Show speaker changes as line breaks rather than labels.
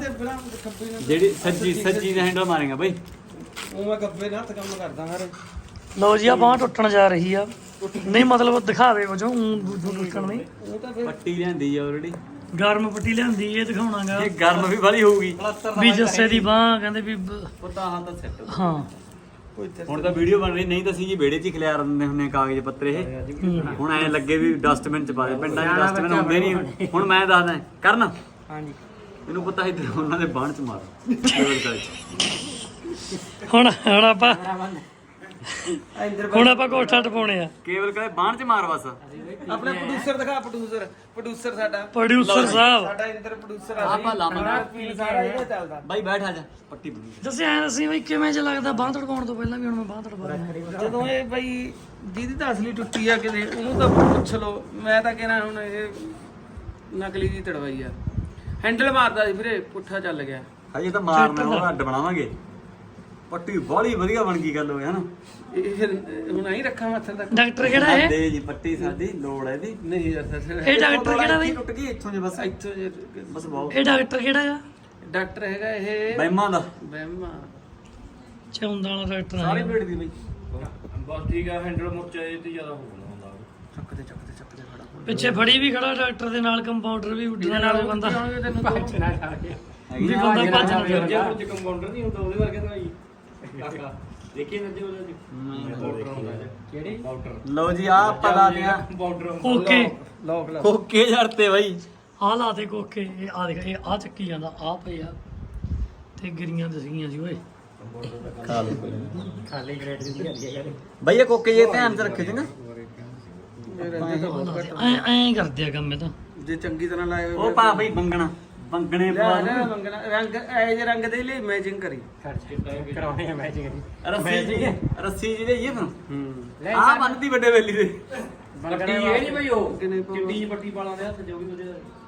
ਦੇ ਬਿਨਾ ਖੱਬੇ ਨਾਲ
ਜਿਹੜੀ ਸੱਜੀ ਦਾ ਹੈਂਡਲ ਮਾਰੇਗਾ ਬਾਈ
ਉਹ ਮੈਂ ਗੱਬੇ ਨਾਲ ਹੱਥ ਕੰਮ ਕਰਦਾ ਹਰੇ।
ਲਓ ਜੀ ਆ ਬਾਂਹ ਟੁੱਟਣ ਜਾ ਰਹੀ ਆ ਨਹੀਂ ਮਤਲਬ ਦਿਖਾਵੇ ਵਜੋਂ ਟੁੱਟਣ ਨਹੀਂ
ਉਹ ਤਾਂ ਫਿਰ
ਪੱਟੀ ਲਿਆਂਦੀ ਆ ਆਲਰੇਡੀ
ਗਰਮ ਪੱਟੀ ਲਿਆਂਦੀ ਇਹ ਦਿਖਾਉਣਾਗਾ
ਇਹ ਗਰਮ ਵੀ ਵਾਲੀ ਹੋਊਗੀ
ਵੀ ਜੱਸੇ ਦੀ ਬਾਂਹ ਕਹਿੰਦੇ ਵੀ
ਪਤਾ ਹਾਂ ਤਾਂ ਸੈੱਟ
ਹਾਂ
ਕੋਈ ਤੇ
ਹੁਣ ਤਾਂ ਵੀਡੀਓ ਬਣ ਰਹੀ ਨਹੀਂ ਤਾਂ ਅਸੀਂ ਜੀ ਵਿਹੜੇ 'ਚ ਹੀ ਖਿਲਾਰ ਦਿੰਦੇ ਹੁੰਦੇ ਆ ਕਾਗਜ਼ ਪੱਤਰ ਇਹ ਹੁਣ ਐਂ ਲੱਗੇ ਵੀ ਡਸਟਬਿਨ 'ਚ ਪਾ ਦੇ ਪਿੰਡਾਂ 'ਚ ਡਸਟਬਿਨ ਹੁੰਦੇ ਨਹੀਂ ਹੁਣ ਮੈਂ ਦੱਸਦਾ ਕਰਨ
ਹਾਂਜੀ
ਮੈਨੂੰ ਪਤਾ ਇੱਧਰ ਉਹਨਾਂ ਦੇ ਬਾਣ 'ਚ ਮਾਰ ਕੇਵਲ ਕਾਲੇ 'ਚ
ਹੁਣ ਆਪਾਂ
ਇੰਦਰ
ਹੁਣ ਆਪਾਂ ਕੋਠਾ ਟਪਾਉਣੇ ਆ
ਕੇਵਲ ਕਾਲੇ ਬਾਣ 'ਚ ਮਾਰ ਬਸ
ਆਪਣਾ ਪ੍ਰੋਡਿਊਸਰ ਦਿਖਾ ਪ੍ਰੋਡਿਊਸਰ ਸਾਡਾ
ਪ੍ਰੋਡਿਊਸਰ ਸਾਹਿਬ
ਸਾਡਾ ਇੰਦਰ ਪ੍ਰੋਡਿਊਸਰ ਆ
ਆਪਾਂ ਲਾਵਾਂਗੇ
ਫੀਲ ਸਾਰਾ ਇਹਦਾ ਚੱਲਦਾ
ਬਾਈ ਬੈਠ ਆ ਜਾ ਪੱਟੀ ਬਣੀ
ਦੱਸਿਆ ਐਂ ਦੱਸੀ ਬਈ ਕਿਵੇਂ ਚ ਲੱਗਦਾ ਬਾਂਹ ਤੜਕਾਉਣ ਤੋਂ ਪਹਿਲਾਂ ਵੀ ਹੁਣ ਮੈਂ ਬਾਂਹ ਤੜਪਾ ਰਿਹਾ
ਜਦੋਂ ਇਹ ਬਈ ਜਿਹਦੀ ਤਾਂ ਅਸਲੀ ਟੁੱਟੀ ਆ ਕਿਤੇ ਉਹਨੂੰ ਤਾਂ ਪੁੱਛ ਲਓ ਮੈਂ ਤਾਂ ਕਹਿਣਾ ਹੁਣ ਇਹ ਨਕਲੀ ਦੀ ਤੜਵਾਈ ਆ ਹੈਂਡਲ ਮਾਰਦਾ ਸੀ ਵੀਰੇ ਪੁੱਠਾ ਚੱਲ ਗਿਆ
ਹਜੇ ਤਾਂ ਮਾਰਨਾ ਉਹ ਅੱਡ ਬਣਾਵਾਂਗੇ ਪੱਟੀ ਬਾਲੀ ਵਧੀਆ ਬਣ ਗਈ ਗੱਲ ਹੋਇਆ ਹਨਾ
ਇਹ ਫਿਰ ਹੁਣ ਆਈ ਰੱਖਾਂ ਮੱਥੇ ਤੱਕ
ਡਾਕਟਰ ਕਿਹੜਾ ਹੈ
ਦੇ ਜੀ ਪੱਟੀ ਸਾਡੀ ਲੋੜ ਹੈ ਇਹਦੀ
ਨਹੀਂ ਯਾਰ ਸਰ
ਇਹ ਡਾਕਟਰ ਕਿਹੜਾ ਬਈ
ਟੁੱਟ ਗਈ ਇੱਥੋਂ ਜੇ ਬਸ
ਇੱਥੋਂ ਜੇ
ਬਸ ਬਹੁਤ
ਇਹ ਡਾਕਟਰ ਕਿਹੜਾ ਆ
ਡਾਕਟਰ ਹੈਗਾ ਇਹ
ਬੈਮਾਂ ਦਾ
ਬਹਿਮਾ
ਚੌਂਦਾ ਵਾਲਾ ਡਾਕਟਰ
ਸਾਰੇ
ਆ
ਪੇਟ ਦੀ ਬਈ
ਬਸ ਠੀਕ ਆ ਹੈਂਡਲ ਮੁਰਚਾ ਇਹ ਤੇ ਜ਼ਿਆਦਾ ਹੋਣਾ ਹੁੰਦਾ
ਚੱਕ ਦੇ ਖੜਾ
ਪਿੱਛੇ ਫੜੀ ਵੀ ਖੜਾ ਡਾਕਟਰ ਦੇ ਨਾਲ ਕੰਪਾਊਂਡਰ ਵੀ ਉੱਡਣ ਵਾਲਾ ਬੰਦਾ
ਆਉਣਗੇ ਤੈਨੂੰ
ਵੀ ਬੰਦਾ ਭੱਜ ਨਾ ਜਾਵੇ।
ਜੇ ਕੁਝ ਕੰਪਾਊਂਡਰ ਨਹੀਂ ਹੁੰਦਾ ਉਹਦੇ ਵਰਗੇ ਤਾਂ ਹੀ ਕਾਕਾ ਦੇਖੀ ਨੱਜੇ ਉਹਦੇ ਪਾਊਡਰ ਹੁੰਦਾ ਕਿਹੜੀ ਪਾਊਡਰ
ਲਓ ਜੀ ਆ ਪਤਾ ਦਿਆ
ਪਾਊਡਰ
ਓਕੇ
ਲੋਕ ਲਾ
ਕੋਕੇ ਜੜਤੇ ਬਾਈ
ਆ ਲਾ ਦੇ ਕੋਕੇ ਇਹ ਆ ਦੇਖ ਇਹ ਆ ਚੱਕੀ ਜਾਂਦਾ ਆ ਪਏ ਆ ਤੇ ਗਿਰੀਆਂ ਦਸੀਆਂ ਸੀ ਓਏ
ਖਾਲੀ ਗ੍ਰੇਡ ਦੀ ਦਿਹਾੜੀ ਹੈ
ਬਾਈ ਇਹ ਕੋਕੇ ਜੇ ਧਿਆਨ ਚ ਰੱਖੇ ਚੰਗਾ
ਐਂ ਕਰਦੇ ਆ ਕੰਮ ਇਹ ਤਾਂ
ਜੇ ਚੰਗੀ ਤਰ੍ਹਾਂ ਲਾਏ
ਉਹ ਪਾ ਬਈ ਬੰਗਣੇ ਪਾ
ਲੈ ਮੰਗਣਾ ਰੰਗ ਐ ਜੇ ਰੰਗ ਦੇ ਲਈ ਮੈਚਿੰਗ ਕਰੀ
ਕਰਾਉਣੇ ਆ ਮੈਚਿੰਗ ਦੀ
ਰੱਸੀ ਜੀ ਲਈਏ ਫਿਰ
ਹੂੰ
ਆ ਬੰਨਦੀ ਵੱਡੇ ਵੇਲੀ ਦੇ
ਪੱਟੀ ਇਹ ਨਹੀਂ ਬਈ ਉਹ
ਕਿੰਨੇ
ਚਿੱਟੀ ਜਿਹੀ ਪੱਟੀ ਪਾਲਾਂ ਦੇ ਹੱਥ ਜੋ ਵੀ ਉਹਦੇ